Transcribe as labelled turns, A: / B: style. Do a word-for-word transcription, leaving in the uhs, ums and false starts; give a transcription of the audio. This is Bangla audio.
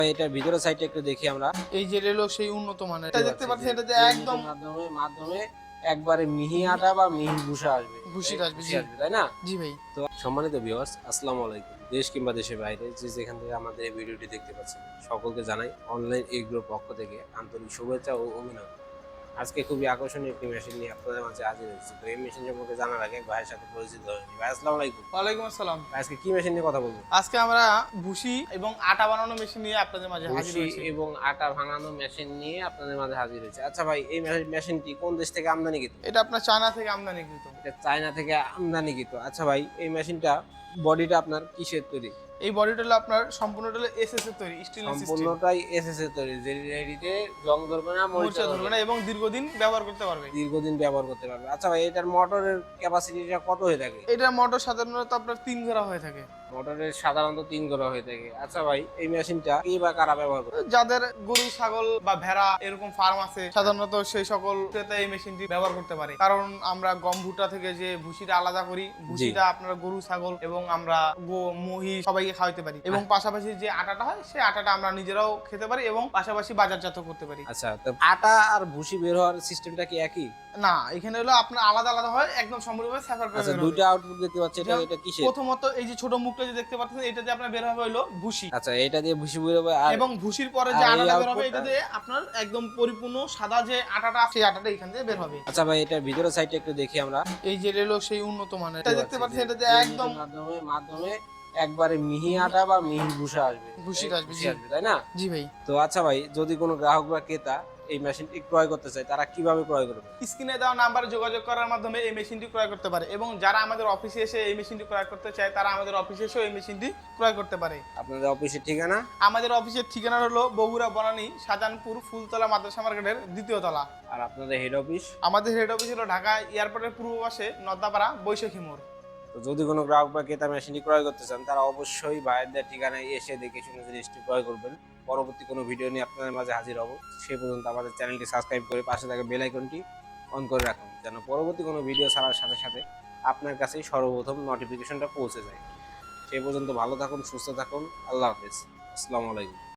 A: এটার ভিতরে সাইডটা একটু দেখি আমরা।
B: এই যে রেলো সেই উন্নত মানের, এটা দেখতে পাচ্ছেন, এটা যে একদম
A: মাধ্যমে মাধ্যমে একবারে মিহি আটা বা মিহি ভুসা আসবে,
B: ভুসিটা আসবে, জি
A: আসবে, তাই না?
B: জি ভাই।
A: তো সম্মানিত ভিউয়ার্স, আসসালামু আলাইকুম। দেশ কিংবা দেশের বাইরে যে যেখান থেকে আমাদের এই ভিডিওটি দেখতে পাচ্ছেন, সকলকে জানাই অনলাইন এগ্রোর পক্ষ থেকে আন্তরিক শুভেচ্ছা ও অভিনন্দন। আজকে খুবই আকর্ষণীয় একটি মেশিন নিয়ে আপনাদের মাঝে হাজির হয়েছি। তো এই মেশিন সম্পর্কে জানার আগে ভাইয়ের সাথে পরিচিত হয়ে নিই। ভাই আসসালামু আলাইকুম।
B: ওয়ালাইকুম আসসালাম।
A: আজকে কি মেশিন নিয়ে কথা বলবো?
B: আজকে আমরা ভুসি এবং আটা বানানো মেশিন নিয়ে আপনাদের মাঝে হাজির
A: ভুসি
B: হয়েছি।
A: এবং আটা ভাঙানো মেশিন নিয়ে আপনাদের মাঝে হাজির হয়েছে। আচ্ছা ভাই, এই মেশিনটি কোন দেশ থেকে আমদানিকৃত?
B: এটা আপনার চায়না থেকে আমদানিকৃত।
A: এটা চায়না থেকে আমদানিকৃত। আচ্ছা ভাই, এই মেশিনটা বডিটা আপনার কিসের তৈরি?
B: এই বডিটা হলো আপনার সম্পূর্ণটা হলো এসএস এর তৈরি, স্টেনলেস স্টিল।
A: সম্পূর্ণটাই এসএস এর তৈরি, যেটিতে জং ধরবে না,
B: মরিচা ধরবে না এবং দীর্ঘদিন ব্যবহার করতে পারবে।
A: দীর্ঘদিন ব্যবহার করতে পারবে। আচ্ছা ভাই, এটার মোটরের ক্যাপাসিটিটা কত হয়ে থাকে?
B: এটা মোটর সাধারণত আপনার তিন ঘোড়া হয়ে থাকে।
A: মোটরের সাধারণত তিন ঘোড়া হয়ে থাকে। আচ্ছা ভাই, এই মেশিনটা কি বা কারা ব্যবহার করে?
B: যাদের গরু ছাগল বা ভেড়া এরকম ফার্ম আছে, সাধারণত সেই সকল ক্রেতা এই মেশিনটি ব্যবহার করতে পারে। কারণ আমরা গম ভুট্টা থেকে যে ভুসিটা আলাদা করি, ভুসিটা আপনার গরু ছাগল এবং আমরা মহিষ সবাইকে খাওয়াতে পারি, এবং পাশাপাশি যে আটাটা হয় সেই আটাটা আমরা নিজেরাও খেতে পারি এবং পাশাপাশি বাজারজাত করতে পারি।
A: আচ্ছা, তো আটা আর ভুসি বের হওয়ার সিস্টেমটা কি একই?
B: না, এখানে হলো আপনার আলাদা আলাদা হয়, একদম সম্পূর্ণভাবে সেপারেট করে।
A: আচ্ছা, দুইটা আউটপুট দেখতে পাচ্ছি, এটা এটা কিসের?
B: প্রথমত এই যে ছোট মুখটা যে দেখতে পাচ্ছেন, এটা দিয়ে আপনার বের হবে হলো ভুসি।
A: আচ্ছা, এটা দিয়ে ভুসি বের হবে, আর
B: এবং ভুসির পরে যে আটাটা বের হবে, এটা দিয়ে আপনার একদম পরিপূর্ণ সাদা যে আটাটা সেই আটাটা এখান থেকে বের হবে।
A: আচ্ছা ভাই, এটার ভিতরে সাইডটা একটু দেখি আমরা।
B: এই যে রেলো সেই উন্নত মানের, এটা দেখতে পাচ্ছেন, এটা যে একদম
A: মাধ্যমে মাধ্যমে একবারে মিহি আটা বা মিহি ভুসা আসবে,
B: ভুসিটা আসবে, জি
A: আসবে, তাই না?
B: জি ভাই।
A: তো আচ্ছা ভাই, যদি কোনো গ্রাহক বা ক্রেতা এই মেশিনটি ক্রয় করতে চায়, তারা কিভাবে ক্রয় করবে?
B: স্ক্রিনে দেওয়া নাম্বারে যোগাযোগ করার মাধ্যমে এই মেশিনটি ক্রয় করতে পারে, এবং যারা আমাদের অফিসে এসে এই মেশিনটি ক্রয় করতে চায়, তারা আমাদের অফিসে এসেও এই মেশিনটি ক্রয় করতে পারে।
A: আপনাদের অফিসের ঠিকানা?
B: আমাদের অফিসের ঠিকানা হলো বগুড়া বনানী শাহজাহানপুর ফুলতলা মাদ্রাসা মার্কেটের দ্বিতীয় তলা।
A: আর আপনাদের হেড অফিস?
B: আমাদের হেড অফিস হলো ঢাকা এয়ারপোর্টের পূর্ব পাশে নদ্দাপাড়া বৈশাখী মোড়।
A: তো যদি কোনো গ্রাহক বা ক্রেতা মেশিনটি ক্রয় করতে চান, তারা অবশ্যই ভাইয়ের ঠিকানায় এসে দেখে শুনে জিনিসটি ক্রয় করবেন। পরবর্তী কোনো ভিডিও নিয়ে আপনাদের মাঝে হাজির হব। সে পর্যন্ত আমাদের চ্যানেলটি সাবস্ক্রাইব করে পাশে থাকা বেল আইকনটি অন করে রাখুন, যেন পরবর্তী কোনো ভিডিও ছাড়ার সাথে সাথে আপনার কাছেই সর্বপ্রথম নোটিফিকেশনটা পৌঁছে যায়। সে পর্যন্ত ভালো থাকুন, সুস্থ থাকুন। আল্লাহ হাফেজ। আসসালামু আলাইকুম।